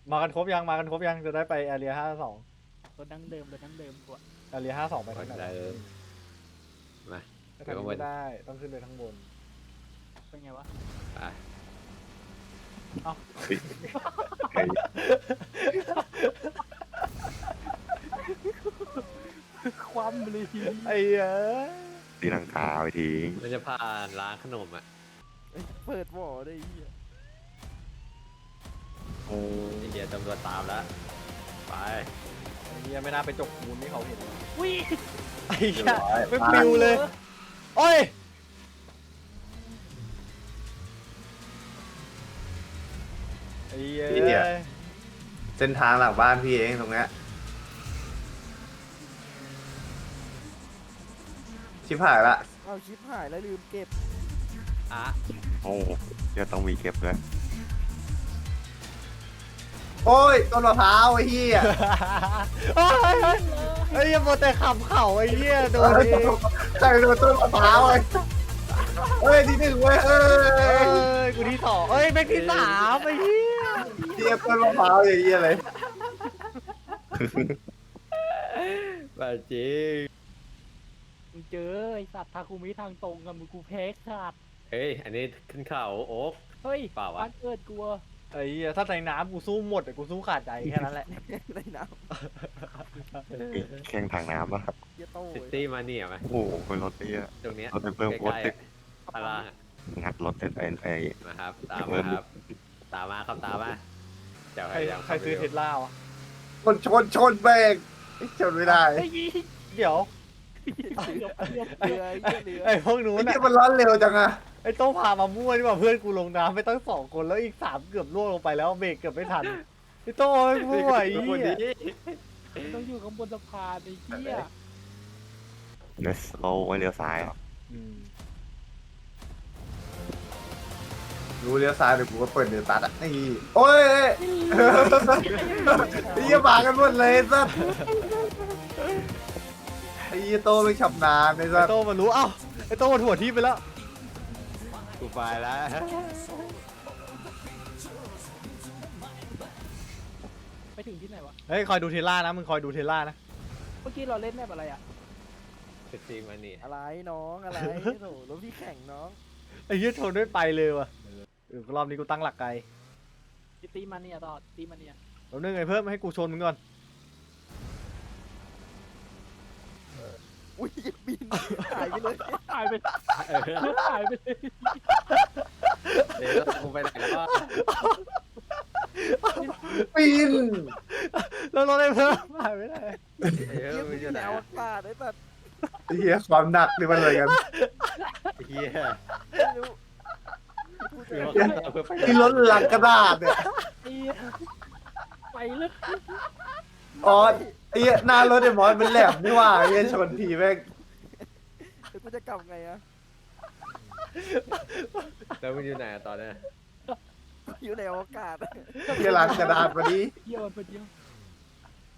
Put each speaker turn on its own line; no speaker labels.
มากันครบยังจะได้ไปแอเรีย52
รถดั้งเดิมกว่า
แอเรีย52ไปทางไหน
ได้เลยมา
ไปทางนี้ไม่ได้ต้องขึ้นไปข้างบน
เป็นไงวะ
ไป
ความเลย
ไอ้เอ้ย
ตีลังกาไปทิ้ง
มันจะผ่านร้านขนมอ่ะ
เปิดบ่อได้เหี้ย
โอ้
ไอ้เหี้ยตำรวจตามแล้วไป
ไอ้เหี้ยไม่น่าไปจกมูลที่เขาเห็น
อุ้ย
ไอ้เหี้ยไม่ปิวเลยโอ้ยไอ้เหี้ย
เส้นทางหลังบ้านพี่เองตรงเนี้ยชิบหายละ
เอาชิปหายแล้วลืมเก็บ
อ่ะ
โหเดี๋ยวต้องมีเก็บด้วย
โอ้ยต้นมะพร้าวไอ้เหี้ย
โอ้ยไอ้เหี้ยโมแต่ขับเข่าไอ้เหี้ยโดนดิ
ใครโดนต้นมะพร้าวไอ้เฮ้ยที่หนึ่งเว้ยเอ้
เอ้
ย
ยกูที่สองเอ้ยแม็กที่สามไอ้เหี้ย
เทียบต้นมะพร้าวอย่างเงี้ยเลย
แบบจริง
มึงเจอไอสัตว์ทาคุมิทางตรงกับมึงกูแพ้ขาด
เฮ้ยอันนี้ขึ้นเขาโอ๊ก
เฮ้ย
เปล่าวะ
บ้านเกิดกูอะ
ไอ้เหี้ยถ้าในน้ำกูสู้หมดแต่กูสู้ขาดใจแค่นั้นแหละ
ในน้
แข่งทางน้ำนะครับ
ำเหี้ยโต้
ซิตี้มาเนี่ยไหม
โอ้โหเป็นรถเตี้ย
ตรงเนี้ย
รถเพิ่ม
ใก
รถ
ล้ๆ
ติ
อะ
ด
พารา
งัดรถเต็มไอ้
มาครับตามมาครับตามมาครับตามมาเจ้า
ใคร
ยัง
ใครซื้อเทสลาวะ
ชนเบรกชนไม่ได้
ไอ้ยี่
เดี๋ยว
เรือ
ไอ้พวกนู้
ไอ้
น
เหี้
น่ะ
ยมันร้อนเร็วจังอะ
ไอ้โต้งพามามั่วนี่ว่าเพื่อนกูลงน้ำไปตั้ง2 คนแล้วอีก3เกือบล่วงลงไปแล้วเบรกเกือบไม่ทันไอ้โต้งไอ้มั่วไอ้
ทุกคน
เหี้ย
นี้
ต้องอยู่ข้างบนสะพานไอ้เหี้ย
เนสโลไว้เลี้ยวซ้ายเหรอ
อืม
รู้เลี้ยวซ้ายเดี๋ยวกูก็เปิดเดี๋ยวตัดอ่ะนี่โอ้ยไอ้เหี้ยมากันหมดเลยสัสไอ้เหี้ยโตไม่ฉับนานไอ้สั
ไอ้
ส
โต้งมารู้เอ้าไอ้โต้งมาถั่วที่ไปแล้ว
กูไปแล้ว
ไปถึงที่ไหนวะ
เฮ้ยคอยดูเทสล่านะมึงคอยดูเทสล่านะ
เมื่อกี้เราเล่นแมปอะไรอะ
ซิตี้มาเนี่ย
อะไรน้องอะไรโถรถพี่แข่งน้อง
ไอ้เหี้ยชนไม่ไปเลยว่ะรอบนี้กูตั้งหลักไกล
ตีมันเนี่ยต่อตีมันเนี่ย
แล้วนึงไงเพิ่มให้กูชนมึงก่อน
อุ้ยบินหายไปเลยหายไปหายไปเลย
เดี๋ยวกูไปไหนแล้ว
ปีน
แล้วรถไอ้เพิ่มหายไปไหน
เดี๋ยวมึงจะไหน
แนวอากาศไอ้สัตว์
ไอ้เหี้ยความหนักนี่มันอะไรกัน
เฮีย
ไม่รู้
เดี๋ยวเพื่อไป
ที่รถหลังกระดาษเนี่ย
ไอ้เหี้ยไปเลย
อ๋อไอ้เหี้ยหน้ารถไอ้มอสมันแหลมนี่หว่าไอ้เหี้ยชนทีแม่ง
เดี๋ยวกูจะกลับไงอะ
แล้วมึงอยู่ไหนตอนนี้
อยู่ในอวกาศ
เหี้ยหลังกระดาษพอดี
เยี่ยมไปเดียว